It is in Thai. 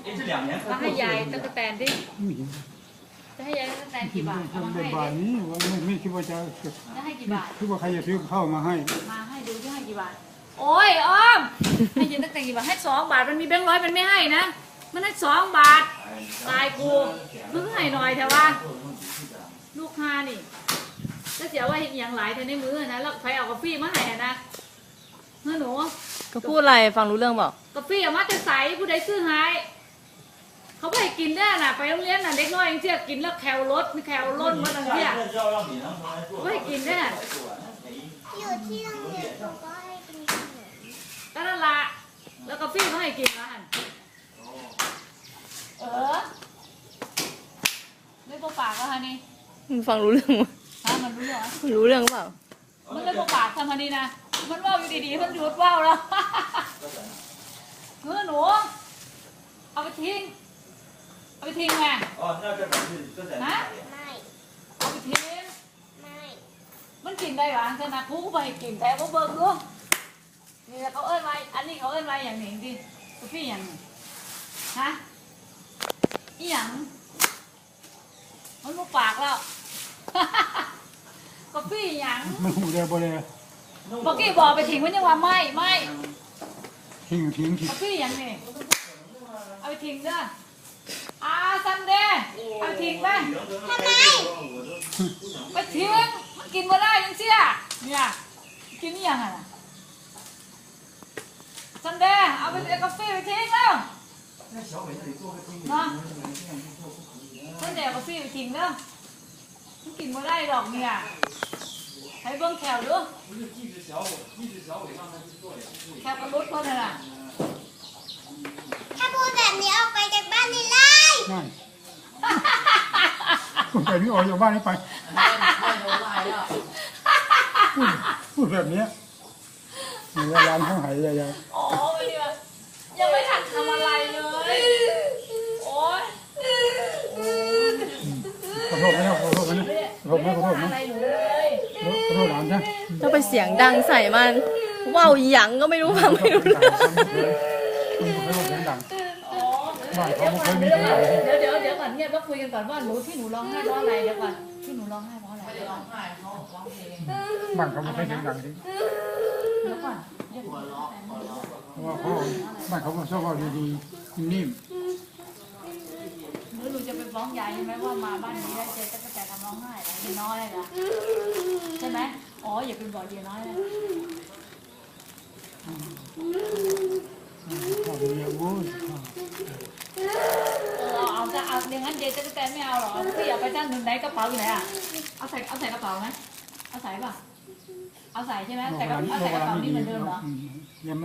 มาให้ยายตั้งแต่แตนดิจะให้ยายตั้งแต่แตนกี่บาทเอามาให้บาทนี้ว่าไม่คิดว่าจะจะให้กี่บาทคิดว่าใครจะซื้อข้าวมาให้มาให้ดูจะให้กี่บาทโอ้ยอ้อมให้ยืนตั้งแต่กี่บาทให้2 บาทมันมีแบงค์ร้อยมันไม่ให้นะมันให้2 บาทตายกูมึงให้หน่อยแต่ว่าลูกค้านี่ก็เสียว่าเห็นอย่างหลายแต่ในมือนะแล้วใครเอากาแฟมาให้นะเฮ้ยหนูก็พูดอะไรฟังรู้เรื่องเปล่ากาแฟเอามาจะใส่ผู้ใดซื้อให้เขาไม่ให้กินได้น่ะไปโรงเรียนน่ะเด็กน้อยยังเชี่ยกินแล้วแคลรถแคลล้นมาตั้งเชี่ยไม่ให้กินได้อยู่ที่โรงเรียนผมก็ให้กินขนมก็นั่นละแล้วกาแฟเขาให้กินมาหันไม่พอปากแล้วฮะนี่มันฟังรู้เรื่องมั้ยฮะมันรู้เหรอรู้เรื่องเปล่ามันไม่พอปากทำฮะนี่นะมันว่าวอยู่ดีๆมันหยุดว่าวแล้วหนูเอาไปทิ้งเอาไปทิ้งไงฮะไม่เอาไปทิ้งไม่มันกินได้หรอขนาดกูก็ไปกินแต่ว่าเบิ่งดูนี่เขาเอิ้นไว้อันนี้เขาเอิ้นไว้อย่างนี้ดิกาแฟอย่างฮะอีหยังมันบ่ปากแล้ว กาแฟอย่างมันหูได้บ่ได้เมื่อกี้บอกไปทิ้งมันยังว่าไม่ทิ้งกาแฟอย่างนี้เอาไปทิ้งเด้อซันเดย์เอาไปทิ้งไปทำไมไปทิ้งมันกินมาได้ยังเชี่ยเนี่ยกินนี่ยังไงซันเดย์เอาไปเอากาแฟไปทิ้งแล้วเนาะซันเดย์เอากาแฟไปทิ้งเด้อมันกินมาได้หรอกเนี่ยให้เบิ้งแถวดูแถวกระลุดเพิ่นน่ะถ้าพูดแบบนี้ออกไปจากบ้านนี่เลยนั่นไปนี่ออกจากบ้านนี้ไปพูดแบบนี้เวลาเขาหายยายโอ้ยยังไม่ทันทำอะไรเลยโอ้ยขอโทษนะขอโทษนะขอโทษนะขอโทษนะอะไรหนูเลยขอโทษหลานนะถ้าไปเสียงดังใส่มันว่าวหยังก็ไม่รู้ฟังไม่รู้เรื่องขอโทษเสียงดังอ๋อบ้านเขาไม่เคยมีเสียงดังเดี๋ยวก่อนเงียบแล้วคุยกันก่อนว่าหนูที่หนูร้องไห้เพราะอะไรเดี๋ยวก่อนที่หนูร้องไห้เพราะอะไรเดี๋ยวก่อนบ้านเขาไม่เคยเสียงดังดิเดี๋ยวก่อนเดี๋ยวก่อนเพราะว่าเขาบ้านเขาชอบเอาดีๆนิ่มหนูจะไปฟ้องยายใช่ไหมว่ามาบ้านนี้ได้เจ๊ตั้งแต่ทำร้องไห้แล้วเย็นน้อยเลยนะใช่ไหมอ๋ออย่าเป็นบอกเย็นน้อยเลยข้าวเดียวโว้ยเอาจะเอาอย่างนั้นเจ๊ตั้งแต่ไม่เอาหรอพี่เอาไปจ้างหนึ่งไหนกระเป๋าอยู่ไหนอ่ะเอาใส่กระเป๋าไหมเอาใส่ป่ะเอาใส่ใช่ไหมแต่เอาใส่กระเป๋านี่เหมือนเดิมเหรอยัง